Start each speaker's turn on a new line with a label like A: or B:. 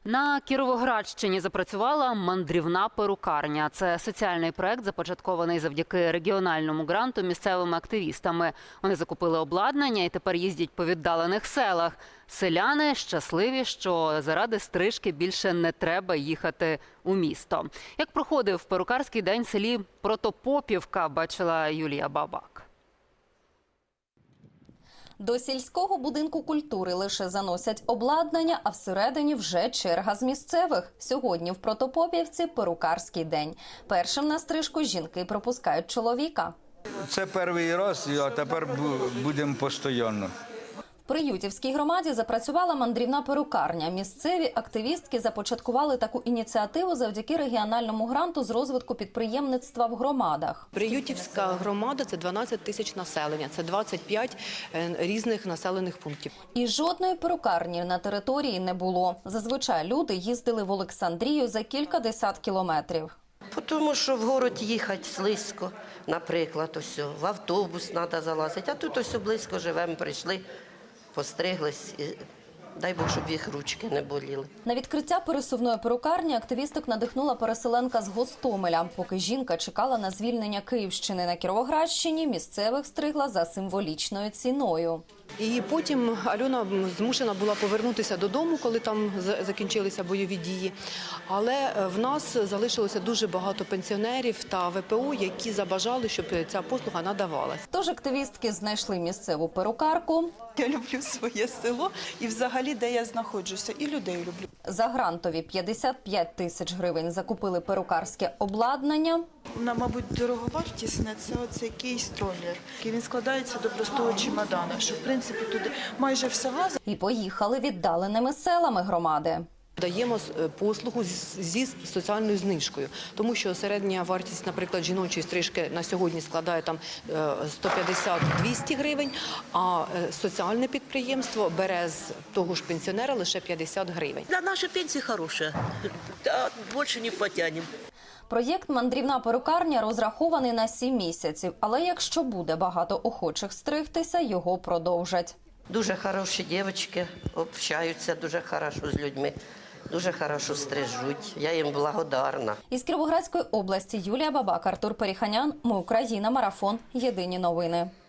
A: На Кіровоградщині запрацювала мандрівна перукарня. Це соціальний проект, започаткований завдяки регіональному гранту місцевими активістами. Вони закупили обладнання і тепер їздять по віддалених селах. Селяни щасливі, що заради стрижки більше не треба їхати у місто. Як проходив перукарський день в селі Протопопівка, бачила Юлія Бабак.
B: До сільського будинку культури лише заносять обладнання, а всередині вже черга з місцевих. Сьогодні в Протопопівці перукарський день. Першим на стрижку жінки пропускають чоловіка.
C: Це перший раз, а тепер будемо постійно.
B: В Приютівській громаді запрацювала мандрівна перукарня. Місцеві активістки започаткували таку ініціативу завдяки регіональному гранту з розвитку підприємництва в громадах.
D: Приютівська громада – це 12 тисяч населення, це 25 різних населених пунктів.
B: І жодної перукарні на території не було. Зазвичай люди їздили в Олександрію за кількадесят кілометрів.
E: Тому що в город їхати слизько, наприклад, ось, в автобус треба залазити, а тут ось близько живемо, прийшли, постриглись і дай Бог, щоб їх ручки не боліли.
B: На відкриття пересувної перукарні активісток надихнула переселенка з Гостомеля. Поки жінка чекала на звільнення Київщини на Кіровоградщині, місцевих стригла за символічною ціною.
D: І потім Альона змушена була повернутися додому, коли там закінчилися бойові дії. Але в нас залишилося дуже багато пенсіонерів та ВПО, які забажали, щоб ця послуга надавалась.
B: Тож активістки знайшли місцеву перукарку.
F: Я люблю своє село і взагалі, де я знаходжуся, і людей люблю.
B: За грантові 55 тисяч гривень закупили перукарське обладнання.
F: Вона, мабуть, дороговартісне, це оцей кейс-троллер. Він складається до простого чемодана, що, в принципі, туди майже все влазить.
B: І поїхали віддаленими селами громади.
D: Даємо послугу зі соціальною знижкою, тому що середня вартість, наприклад, жіночої стрижки на сьогодні складає там 150-200 гривень, а соціальне підприємство бере з того ж пенсіонера лише 50 гривень.
G: Да, наша пенсия хорошая, да, больше не потянем.
B: Проєкт «Мандрівна перукарня» розрахований на 7 місяців, але якщо буде багато охочих стригтися, його продовжать.
E: Дуже хороші дівчатки, общаються дуже хорошо з людьми, дуже хорошо стрижуть. Я їм благодарна.
B: Із Кіровоградської області Юлія Бабак, Артур Періханян. Ми Україна. Марафон. Єдині новини.